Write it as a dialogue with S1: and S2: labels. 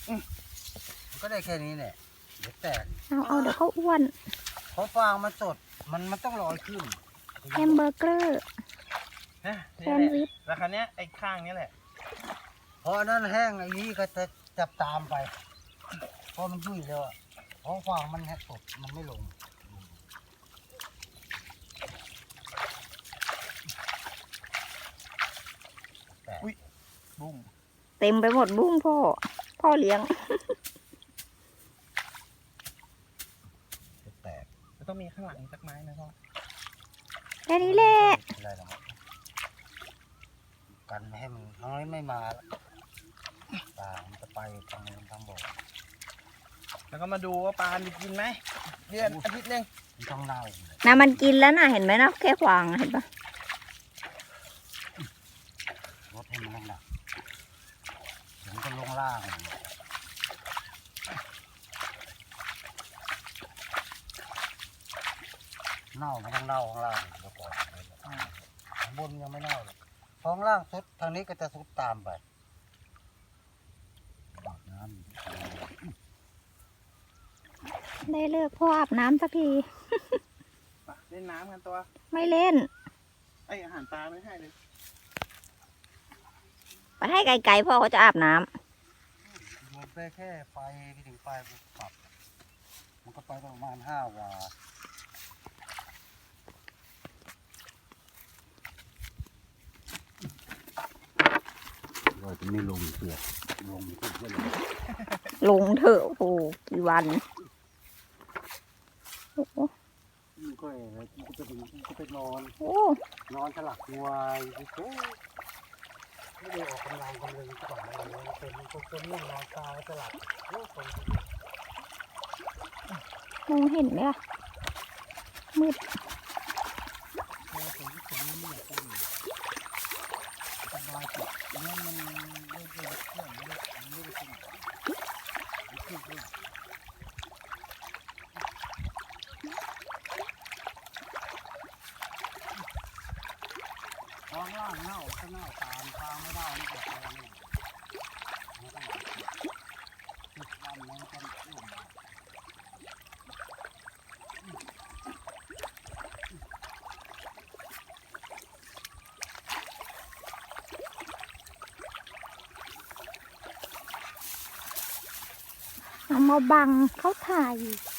S1: มันก็ได้แค่นี้เนี่ยเดี๋ยวแตก
S2: เอาเดี๋ยวเขาอ้วน
S1: เพราะฟางมันสดมันต้องลอยขึ้น
S2: แฮมเบอร์เกอร์แซนด์วิช
S3: แล้วคราวนี้ไอ้ข้างนี้แหละ
S1: พอนั้นแห้งไอ้นี้ก็จะจับตามไปเพราะมันยุ่ยแล้วเพราะฟางมันแห้งสดมันไม่ลง
S3: อุ้ยบุ้ง
S2: เต็มไปหมดบุ้งพ่อเลี้ยง
S1: แตก
S3: มันต้องมีข้างหลังสักไม้นะพ่อ
S2: แค่นี้แหละ
S1: กันไม่ให้มันน้อยไม่มาปลามันจะไปทางบ่อ
S3: แล้วก็มาดูว่าปลาจะกินไหมเดือนอาทิตย์นึง
S1: มันต้องเน่า
S2: มันกินแล้วนะเห็นไหมนะแค่ขวางเห็นปะ
S1: รถให้มันหนักถึงจะลงล่างเน่ามันต้องเน่าข้างล่างเดี๋ยวก่อนข้างบนยังไม่เน่าเลยข้างล่างสุดทางนี้ก็จะสุดตามไปน้ำ
S2: ได้เลิกพ่ออาบน้ำสักที
S3: เล่นน้ำกันตัว
S2: ไม่เล่น
S3: ไออาหารปลาไม่ให้เลย
S2: ไปให้ไกลๆพ่อเขาจะอาบน้
S1: ำลงไปแค่ไฟไปถึงไฟปุ๊บปรับมันก็ไปประมาณ5 วาเราจะไม่ลงเสือลงทุกเรื่อง
S2: ลงเถอะโอ้กี่วันโอ้
S1: มันก็ไปนอนนอนฉลักงวยไม่ได้ออกกำลังกันเลยก่อนเลยเป็นเรื่องนอนตาฉลัก
S2: มองเห็นไหมล่ะมืด
S1: ท้องล่างเน่าก็เน่าตามทางไม่ได้นี่ก็แค่นี้มันก็ติดวันมันจะร่วม
S2: เอามาบังเขาถ่าย